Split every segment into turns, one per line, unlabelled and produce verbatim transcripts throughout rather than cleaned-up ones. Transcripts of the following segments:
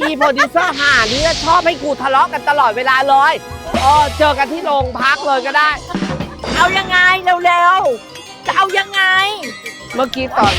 อีโปรดิวเซอร์ห่านี่ชอบให้กูทะเลาะกันตลอดเวลาเลยเออเจอกันที่โรงพักเลยก็ได้
เอายังไงเร็วๆจะเอายังไง
เมื่อกี้ตอน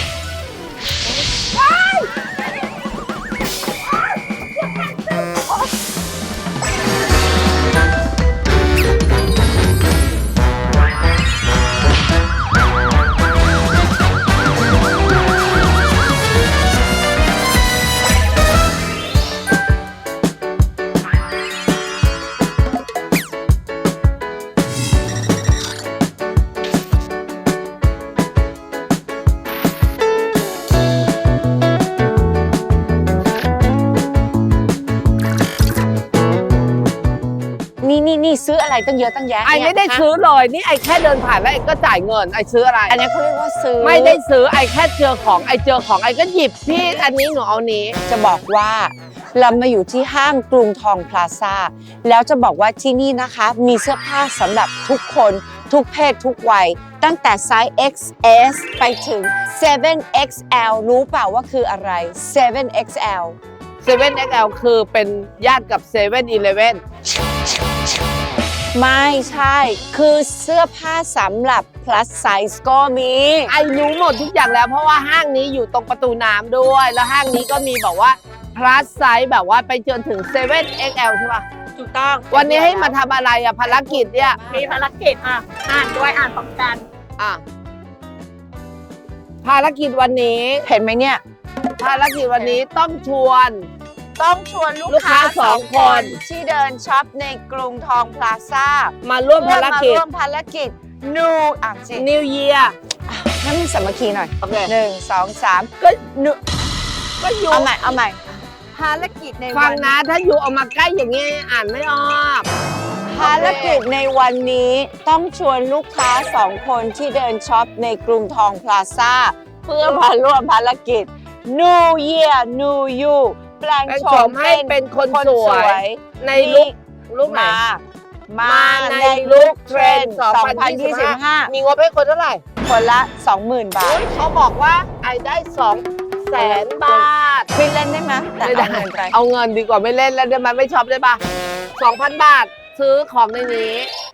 นี่นี่นี่ซื้ออะไรตั้งเยอะตั้งแยะ
ไอไม่ได้ซื้อเลยนี่ไอแค่เดินผ่านแล้วไอก็จ่ายเงินไอซื้ออะไร
อันนี้เขาเรียกว่าซื้อ
ไม่ได้ซื้อไอแค่เจอของไอเจอของไอก็หยิบพี่อันนี้หนูเอานี้
จะบอกว่าเรามาอยู่ที่ห้างกรุงทองพลาซ่าแล้วจะบอกว่าที่นี่นะคะมีเสื้อผ้าสำหรับทุกคนทุกเพศทุกวัยตั้งแต่ไซส์ เอ็กซ์ เอส ไปถึง เซเว่น เอ็กซ์ แอล รู้เปล่าว่าคืออะไร เซเว่น เอ็กซ์ แอล
เซเว่น เอ็กซ์ แอล คือเป็นญาติกับ เซเว่น อีเลฟเว่น
ไม่ใช่คือเสื้อผ้าสำหรับ plus size ก็มี
ไอรู้หมดทุกอย่างแล้วเพราะว่าห้างนี้อยู่ตรงประตูน้ำด้วยแล้วห้างนี้ก็มีบอกว่า plus size แบบว่าไปจนถึง เซเว่น เอ็กซ์ แอล ใช่ป่ะ
ถูกต้อง
วันนี้ให้มาทำอะไรอะภารกิจเนี่ย
มีภารกิจอ่ะอ่านด้วยอ่านพร้อมกัน
อ่ะภารกิจวันนี้
เห็นไหมเนี่ย
ภารกิจวันนี้ต้องชวน
ต้องชวนลูกค้าสองคนที่เดินช็อปในกรุงทองพลาซ่า
มาร่วมภารกิจ
มาร่วมภารกิจ New อ่านสิ
New Year
ให้มันสามัคคีหน่อยห
นึ่
งสองสาม
ก็นูก็อยู่
เอาใหม่เอาใหม่ภารกิจใน
ฟังนะถ้าอยู่เอามาใกล้อย่างนี้อ่านไม่ออก
ภารกิจในวันนี้ต้องชวนลูกค้าสองคนที่เดินช็อปในกรุงทองพลาซ่าเพื่อมาร่วมภารกิจ New Year New You แปลงโฉม
ให้เป็นคนสวยในลุคลุค
มามาในลุคเทรนด์สองพันยี่สิบห้า
มีงบให้คนเท่าไหร่
คนละ สองหมื่น บาท
เขาบอกว่าไอได้สองแสนบาท
ไม่เล่นได้ไหมแต่เอาเงินไป
เอาเงินดีกว่าไม่เล่นแล้วได้ไหมไม่ช็อปได้ปะสองพันบาทซื้อของในนี้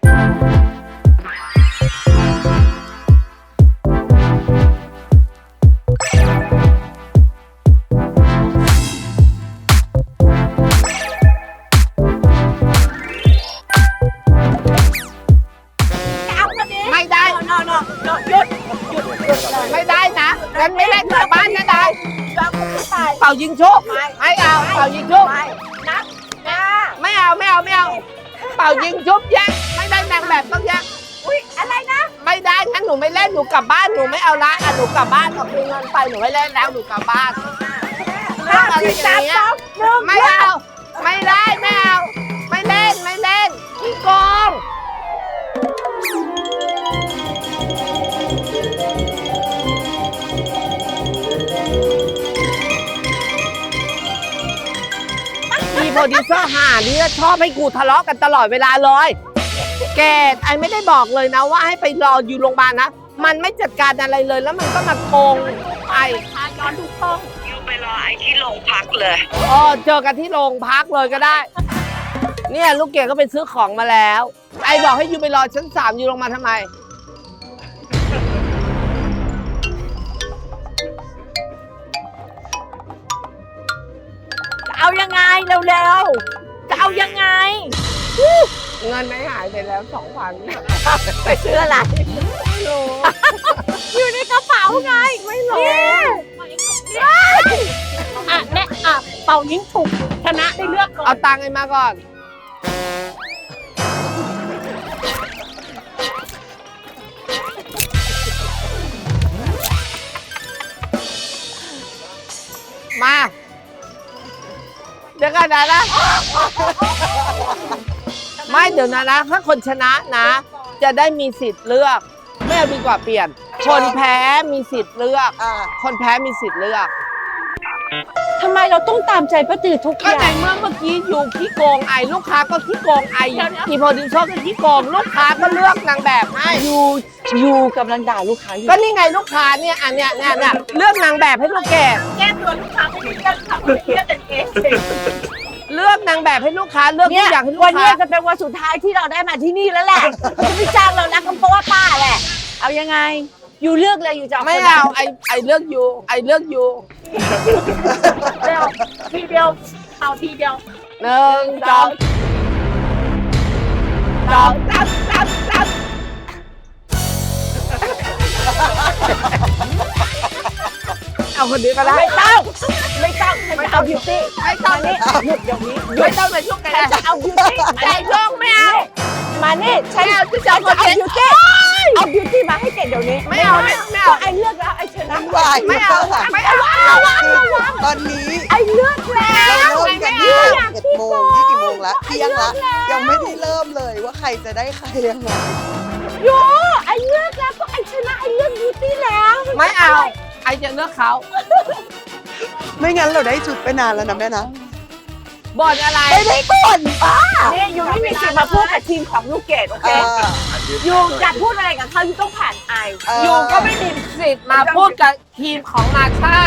ไม่ได้นะงั้นไม่เล่นกลับบ้านนะได้เป่ายิงชุบไม่เอาเป่ายิงชุบ
นับ
ไม่เอาไม่เอาไม่เอาเป่ายิงชุบแยกไม่ได้นางแบบต้องแยก
อุ้ยอะไรนะ
ไม่ได้งั้นหนูไม่เล่นหนูกลับบ้านหนูไม่เอาละอ่ะหนูกลับบ้านเอาคืนเงินไปหนูไม่เล่นแล้วหนูกลับบ้านเรื่องอะไรอย่างเงี้ยไม่เอาไม่ได้ไม่เอาไม่เล่นไม่เล่นขี้โกงอีโปรดิวเซอร์ห่านี่ชอบให้กูทะเลาะกันตลอดเวลาเลยแกไอไม่ได้บอกเลยนะว่าให้ไปรออยู่โรงพยาบาลนะมันไม่จัดการอะไรเลยแล้วมันก็มาโกงไอ
ย้อนทุกช่องยูไปรอไอที่โรงพักเลย
อ๋อเจอกันที่โรงพักเลยก็ได้เนี่ยลูกเกดก็ไปซื้อของมาแล้วไอบอกให้ยูไปรอชั้นสามยูลงมาทำไม
เอายังไงเร็วๆจะเอายังไง
เงินไม่หายไปแล้วสองพัน
ไปซื้ออะไร
ไม่รู้
อยู่ในกระเป๋าไง
ไม่รู้
อ่ะแม่อ่ะเป่ายิงถูกชนะได้เลือกก่อน
เอาตังค์ไอ้มาก่อนมาเดี๋ยวกันนะนะไม่เดี๋ยวนะนะถ้าคนชนะนะจะได้มีสิทธิ์เลือกไม่เอาดีกว่าเปลี่ยนคนแพ้มีสิทธิ์เลือกคนแพ้มีสิทธิ์เลือก
ทำไมเราต้องตามใจป้าตือทุกอย่าง
ก็ในเมื่อเมื่อกี้อยู่ขี้โกงไอลูกค้าก็ขี้โกงไออีโปรดิวเซอร์ก็ขี้โกงลูกค้าก็เลือกนางแบบให้
ยูยูกำลังด่าลูกค้าอยู่
ก็นี่ไงลูกค้าเนี่ยอันเนี้ยเนี่ยเลือกนางแบบให้ลูกแก
แก้ตัวลูกค้าไม่ได้เลือกค่ะเลือกแต่เอง
างแบบให้ลูกค้าเลือกทุ
เนี่ย
กอย่างให้ลูก
วันนี้
ค้า
จะเป็นวันสุดท้ายที่เราได้มาที่นี่แล้วแหละจะไม่จ้างเรานะก็เพราะว่าป้าแหละ เอายังไง อยู่เลือกเลยอยู่จะเอา
ไม่
คนหน
เอาไอไอเลือกยูไอเลือกยู
เดียวทีเดียวเอาทีเดียว
หนึ่งสองสองสามสามสามเอาคนนี้ก็ได้
ไม่ต้องไม่ต้องไม่เอาบิวตี้
ไม่ต้อง
นี่หยุดเดี๋ยวนี้
ไม่ต้องมายุ่งกัน
ฉัน
นะ
จะเอาบิวตี้
ใจช่องไม่เอา
มานี่ฉัน
ไม่เอาฉันจะ
ฉั
เอา
นจะเอา
คนเดียว
บิวตี้เอาบิวตี้มาให้เกดเดี๋ยวนี้
ไม่เอาไม่ไม่เอา
ไอเลือกแล้วไอชนะ
วาย
ไม่เอาไม่เอา
ตอนนี้
ไอเลือกแล้ว
เราเริ่มกันที่เอ็ดโมงที่กี่โมงละเที่ยงละยังไม่ได้เริ่มเลยว่าใครจะได้ใครยังไง
โยไอเลือกแล้วก็ไอชนะไอเลือกบิวตี้แล้ว
ไม่เอา ไอจะเลือกเขา
ไม่งั้นเราได้ชุดไปนานแล้วนะแม่นะ
บอลอะไร
ไม่ได้ก่อนป้า
นี่ยูไม่มีสิทธิ์มาพูดกับทีมของลูกเกดโอ
เอ
เค
อ
ยูจะพูดอะไรกับเขายูต้องผ่านไอ
เออ
ยูก็ไม่มีสิทธิ์มาพูดกับทีมของนาชา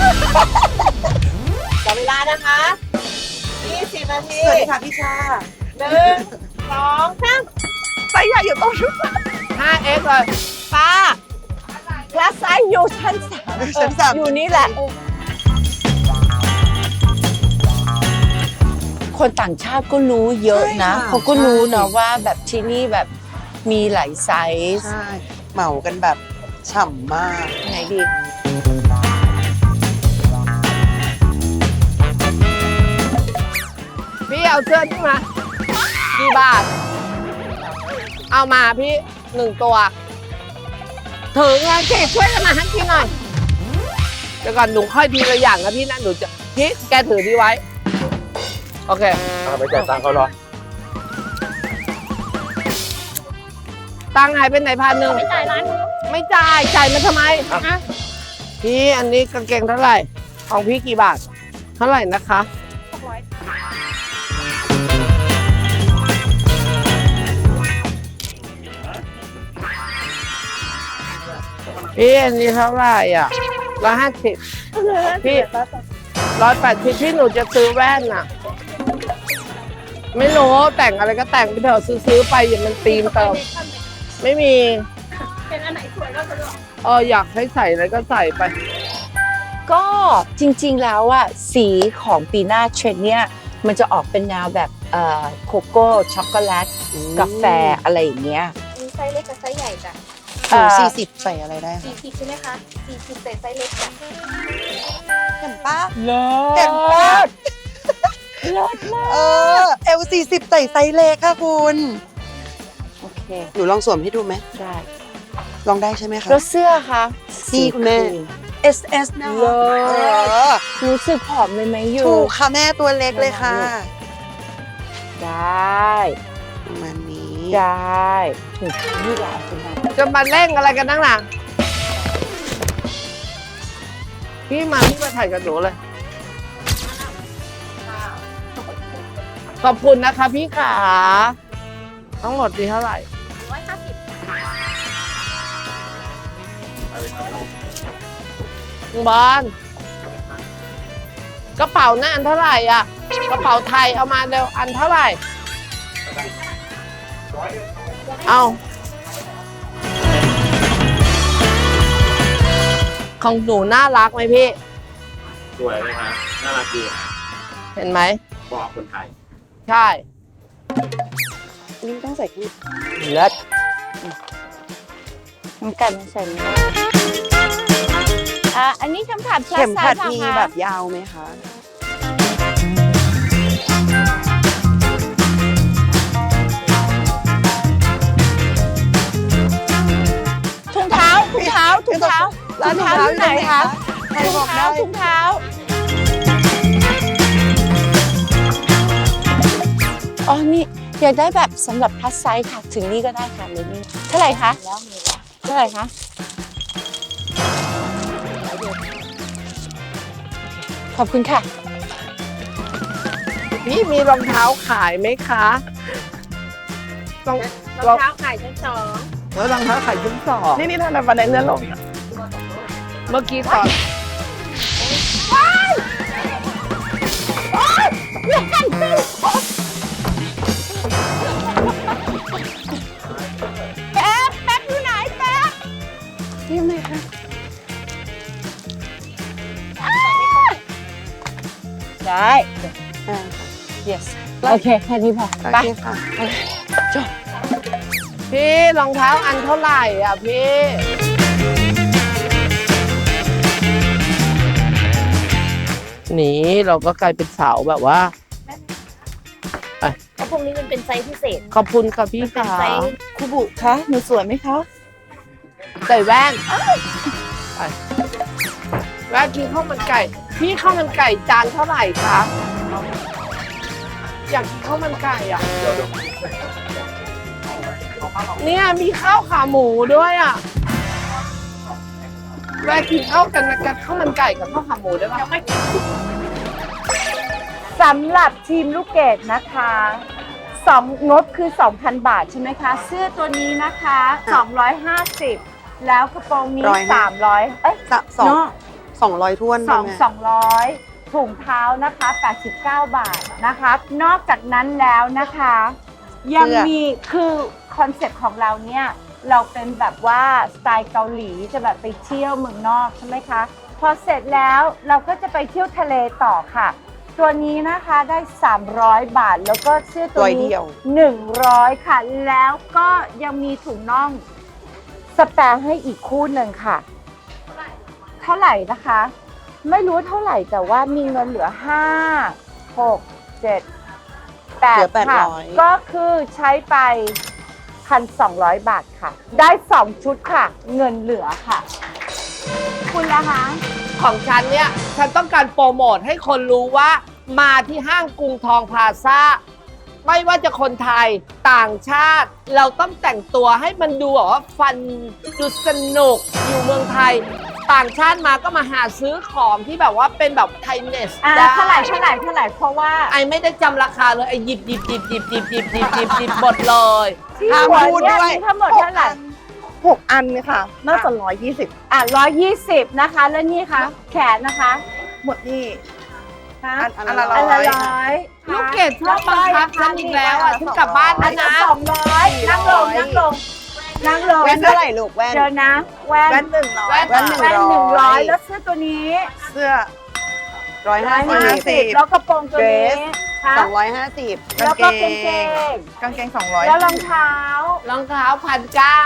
จับเวลานะคะยี่สิบนาที
สวัสดีค่ะพี่ชา
หนึ่งสองสาม
ไซส์ใหญ่อยู่ตรงชุด
ห้าเอ็กซ์เลย
ป้าคลาสไซส์อยู่ชั้นสาม
ชั้นสาม
อยู่นี่แหละ คนต่างชาติก็รู้เยอะนะเขาก็รู้นะว่าแบบที่นี่แบบมีหลายไซส์
ใช่ เหมากันแบบฉ่ำมาก
ไหนดี
พี่เอาเสื้อนี่มากี่บาท เอามาพี่หนึ่งตัวถือไงเจ๊ช่วยกันมาให้พี่หน่อยเดี๋ยวก่อนหนูค่อยทีละอย่างนะพี่นะหนูจะพี่แกถือดีไว้ โอเค
ไปจ่ายตังค์เขาเหรอ
ตังค์หายไปไหนพันหนึ่งไม่จ่ายร้านไม่จ่ายจ่ายมาทำไมอะพี่อันนี้กางเกงเท่าไหร่ ของพี่กี่บาท เท่าไหร่นะคะพี่อันนี้เท่าไหร่อ่ะร้อยห้าสิบพี่ร้อยแปดสิบพี่หนูจะซื้อแว่นน่ะ ไม่รู้แต่งอะไรก็แต่งไปเถอะซื้อๆไปอย่ามันตีมเติมไม่มีเป็นอันไหนสวยก็สะดวกเอออยากให้ใส่อะไรก็ใส่ไป
ก็จริงๆแล้วอะสีของปีหน้าเทรนด์เนี่ยมันจะออกเป็นแนวแบบเอ่อโคโก้ช็อกโกแลตกาแฟอะไรอย่างเงี้ย
มีไซส์เล็กกับไซส์ใหญ่จ้ะ
สูงสี่สิบใส่อะไรได้คะ
สี่สิบใช่ไหมคะสี่สิบใส่ไซส์เล็กจ้ะ
เห็นป้า
เลิ
เห็นป้า
เลิศมาก
เออเอลสี่สิบใส่ไซส์เล็กค่ะคุณ
โอเค
หนูลองสวมให้ดูไหม
ได้
ลองได้ใช่ไหมคะ
แล้วเสื้อคะ
นี่คุณแม่ เอส เอส นะ
เลิ
เอ
ศ
อ
รู้สึกผอมเลยไหมยู
ถูกค่ะแม่ตัวเล็กเลยค่ะ
ได้
ประมาณนี้
ได้ถูกนี่แหละเป็นไง
จะมาเร่งอะไรกันนั่งหลังพี่มาพี่มาถ่ายกับหนูเลย ขอบคุณนะคะพี่ขา ทั้งหมดดีเท่าไหร่
ร้อยห้าสิบ
บอลกระเป๋าหน้าอันเท่าไหร่อ่ะ กระเป๋าไทยเอามาเร็วอันเท่าไหร่ เอาของหนูน่ารักไหมพี่
สวยเลยฮะน่ารักดีฮะ
เห็นไหม
บอกคนไทย
ใช่
นี่ต้องใส่ขึ้น
เลิศน้ำกันใส่ไหมอ่ะอันนี้คำถาม
เข็มขัด
คลาสไซส์
มี
เหรอคะ
แบบยาวไหมคะ
ถุงเท้าถุงเท้าถุงเท้า
ร้านถุงเท้าอยู่ไหนคะใคร
ถุ
บ
ง
อก
เท้า
ได้
ถุงเท้าอ๋อนี่อยากได้แบบสำหรับพลัสไซส์ค่ะ ถึงนี่ก็ได้ค่ะเลยนี่เท่าไหร่คะเท่าไหร่คะขอบคุณค่ะ
พี่มีรองเท้าขายไหมคะรอง
รองเท้าขายชั้นสอง
แล้วรองเท้าขายชั้นสองนี่นี่ทำไมบันไดเลื่อนลงเมื่อกี้ตอน
เลื่อนขึ้นได้อ่า yes โอเคแค่นี้พอ
โอ
ไป
เคค่ะ
พี่รองเท้าอันเท่าไหร่อ่ะพี่ นี่เราก็กลายเป็นสาวแบบว่า
เพราะพวกนี้มันเป็นไซส์พิเศษ
ขอบคุณค่ะพี่
เป็น
ค่ะ
ไซส์
ครูบุคะหนูสวยไหมคะ
ใส่แว่นไปแว่นกินข้าวมันไก่ พี่ข้าวมันไก่จานเท่าไหร่คะอยากกินข้าวมันไก่อ่ะเนี่ยมีข้าวขาหมูด้วยอ่ะแว่นกินข้าวกันนะกันข้าวมันไก่กับข้าวขาหมูได้ปะ
สำหรับทีมลูกเกดนะคะสองงบคือ สองพัน บาทใช่ไหมคะ เสื้อตัวนี้นะคะ สองร้อยห้าสิบ แล้วกระโปรงนี้
ร้อยห้า
สามร้อยเอ้ย
สะสอง
เนาะ
สองร้อยท้วน
สอง
แม่
สองร้อยถุงเท้านะคะแปดสิบเก้าบาทนะคะ นอกจากนั้นแล้วนะคะ ยังมีคือคอนเซ็ปต์ของเราเนี่ยเราเป็นแบบว่าสไตล์เกาหลีจะแบบไปเที่ยวเมืองนอกใช่ไหมคะ พอเสร็จแล้วเราก็จะไปเที่ยวทะเลต่อค่ะ ตัวนี้นะคะได้สามร้อยบาทแล้วก็เสื้อตัวนี้หนึ่งร้อยค่ะ แล้วก็ยังมีถุงน่องสแปร์ให้อีกคู่หนึ่งค่ะ เท่าไหร่นะคะ ไม่รู้เท่าไหร่แต่ว่ามีเงินเหลือห้า หก เจ็ด แป
เหลื
ด
อแปด
ค่ะ
ร้อย
ก็คือใช้ไป หนึ่งพันสองร้อย บาทค่ะ ได้สองชุดค่ะ เงินเหลือค่ะ คุณละคะ
ของฉันเนี่ยฉันต้องการโปรโมทให้คนรู้ว่ามาที่ห้างกรุงทองพลาซ่าไม่ว่าจะคนไทยต่างชาติ เราต้องแต่งตัวให้มันดูแบบว่าฟันดูสนุกอยู่เมืองไทย ต่างชาติมาก็มาหาซื้อของที่แบบว่าเป็นแบบไทยเนส
อ่า
ได้
เท่าไหร่เท่าไหร่เท่าไหร่เพราะว่า
ไอไม่ได้จำราคาเลยไอหยิบหยิบหยิบหยิบหยิบหยิบหยิบหยิบหยิบหมดเลย
ที่
ห้าม
หัว
พูด
เนี่ย
ด้วย
มีทั้งหมดเท่าไหร่
หกอันค่ะ น่าจะร้อยยี่สิบ
อ่ะร้อยยี่สิบนะคะ แล้วนี่คะแขนนะคะ
หมดนี่
คะ
อันอันละ
อัน
ร้
ละ
อย
ร้อย
ลูกเกดชอบบังคับฉันอีกแล้วอ่ะฉันกลับบ้าน
อั
แล้
น
ว
ละ
นะ
สองร้อยนั่งลงนั่งลงนั่งลง
แว่นเท่าไหร่ลูกแว่น
เดี๋ยวนะแว่น
แว่นหนึ่งร้อย
แว่น
แว่นหนึ่ง
แว่นหนึ่ง
ร้
ร้
อ
อย
ย
แล้วเสื้อตัวนี้
เสื้อร้อย
ร้
ห้า
อยห้า
สิ
สิบบ แล้วกระโปรงตัวนี้ค่ะ
สองร้อยห้าสิบ
แล้วก็กางเกง
กางเกงสองร้อย
แล้วรองเท้าร
องเท้าพันเก้าก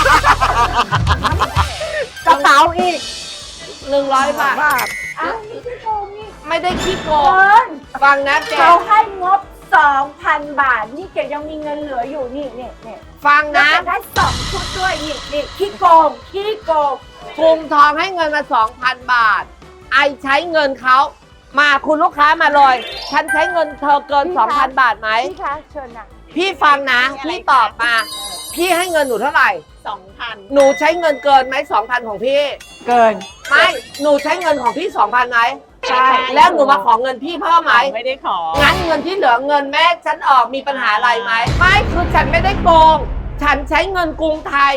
ระเป๋าอีก
หนึ่งร้อยบาท
บาท
อ้าวนี่ที่โกงนี่
ไม่ได้ขี้โก
เกิ
ง
น
ฟังนะแก
เขาให้งบ สองพัน บาท นี่เกดยังมีเงินเหลืออยู่นี่นี่นี่
ฟัง
แล้ว
นะ
จะได้สองชุดด้วยนี่นี่ขี้โกงขี้โกง
กรุงทองให้เงินมา สองพัน บาท ไอใช้เงินเขามาคุณลูกค้ามาเลย ฉันใช้เงินเธอเกิน สองพัน บาทไหม
พี่คะเชิญนะ
พี่ฟังนะ พี่ตอบมา พี่ให้เงินหนูเท่าไหร่
สองพัน
หนูใช้เงินเกินไหมสองพันของพี่
เกิน
ไม่ หนูใช้เงินของพี่สองพันไหม
ใช่
แล้วหนูมาขอเงินพี่เพิ่มไหม
ไม่ได้ขอ
งั้นเงินที่เหลือเงินแม่ฉันออกมีปัญหาอะไรไหม ไม่คือฉันไม่ได้โกง ฉันใช้เงินกรุงไทย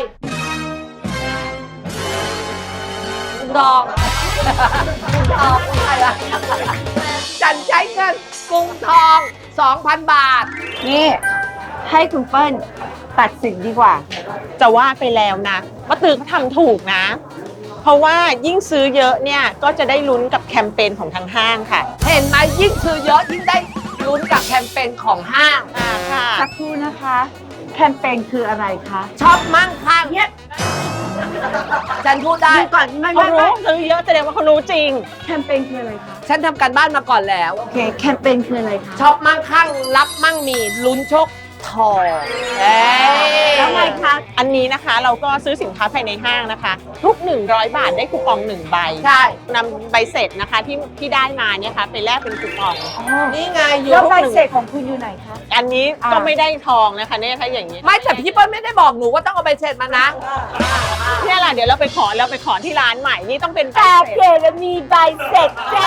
กรุงทองกรุงทองกรุงไทยอะฉันใช้เงินกรุงทอง สองพัน บาท
นี่ให้คุณเปิ้ลตัดสินดีกว่า
จะว่าไปแล้วนะป้าตือเขาทำถูกนะ เพราะว่ายิ่งซื้อเยอะเนี่ยก็จะได้ลุ้นกับแคมเปญของทางห้างค่ะ
เห็นไหมยิ่งซื้อเยอะยิ่งได้ลุ้นกับแคมเปญของห้าง
อ่าค่ะ
สักครู่นะคะ แคมเปญคืออะไรคะ
ชอบมั่งคั่งเนี่ยฉันพูดได้
ดูก่อนไม่
เขา
ไม่
รู้
ไม่
ซื้อเยอะแสดงว่าเขารู้จริง
แคมเปญคืออะไรคะ
ฉันทำการบ้านมาก่อนแล้ว
โอเคแคมเปญคืออะไรคะ
ชอบมั่งคั่งรับมั่งมีลุ้นโชคทองเอ้ย
แล้วไงคะ
อันนี้นะคะเราก็ซื้อสินค้าภายในห้างนะคะ ทุก หนึ่งร้อย บาทได้คูปองหนึ่งใบ
ใช่
นำใบเสร็จนะคะที่ที่ได้มาเนี่ยค่ะไปแลกเป็นคูปอง
นี่ไงอยู่
แล้วใบเสร็จของคุณอยู่ไหนคะ
อันนี้ก็
อ่า
ไม่ได้ทองนะคะเนี่ยถ้าอย่างนี้
ไม่แต่พี่เปิ้ลไม่ได้บอกหนูว่าต้องเอาใบเสร็จมานะ
เนี่ยแหละเดี๋ยวเราไปขอเราไปขอที่ร้านใหม่นี่ต้องเป็นใบ
แต่
เสร็จ
เกดมีใบเสร็จจ้า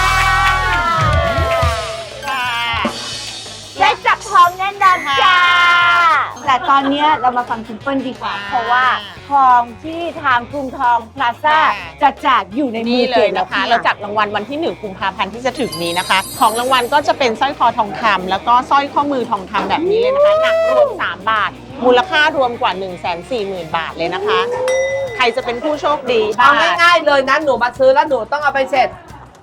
ค่ะ
ได้จับทองแน่นอนจ้า แต่ตอนเนี้ยเรามาฟังคุณเปิ้ลดีกว่า เพราะว่าทองที่ทางกรุงทองพลาซ่าจะแจกอยู่ในมื
นี่
อ
เล
เก
ย
ดแล้ว
นะคะ เราจัดรางวัลวันที่หนึ่งกุมภาพันธ์ที่จะถึงนี้นะคะ ของรางวัลก็จะเป็นสร้อยคอทองคำแล้วก็สร้อยข้อมือทองคำแบบนี้เลยนะคะหนักรวมสามบาท มูลค่ารวมกว่า หนึ่งแสนสี่หมื่น บาทเลยนะคะ ใครจะเป็นผู้โชคดี
เอาง่ายๆเลยนะหนูมาซื้อแล้วหนูต้องเอาใบเสร็จ